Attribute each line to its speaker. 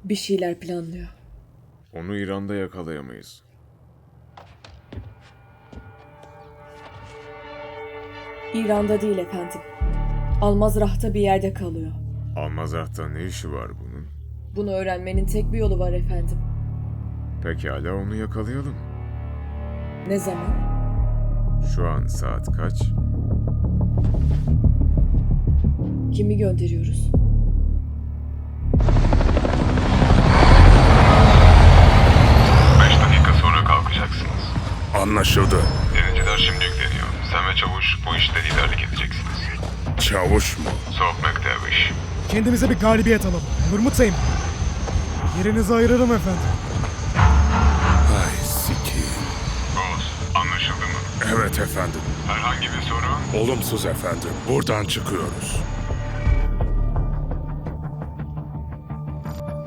Speaker 1: Bir şeyler planlıyor.
Speaker 2: Onu İran'da yakalayamayız.
Speaker 1: İran'da değil efendim. Almazrah'ta bir yerde kalıyor.
Speaker 2: Almazah'ta ne işi var bunun?
Speaker 1: Bunu öğrenmenin tek bir yolu var efendim.
Speaker 2: Pekala onu yakalayalım.
Speaker 1: Ne zaman?
Speaker 2: Şu an saat kaç?
Speaker 1: Kimi gönderiyoruz?
Speaker 3: Sonra kalkacaksınız.
Speaker 4: Anlaşıldı.
Speaker 3: Denizciler şimdi yükleniyor. Sen ve Çavuş bu işte liderlik edeceksiniz.
Speaker 4: Çavuş mu?
Speaker 3: Sohbet derviş.
Speaker 5: Kendimize bir galibiyet alalım. Olur mu Teğmen? Yerinizi ayırırım efendim.
Speaker 4: Ay sikiyim.
Speaker 3: Boz, anlaşıldı mı?
Speaker 4: Evet efendim.
Speaker 3: Herhangi bir sorun?
Speaker 4: Olumsuz efendim. Buradan çıkıyoruz.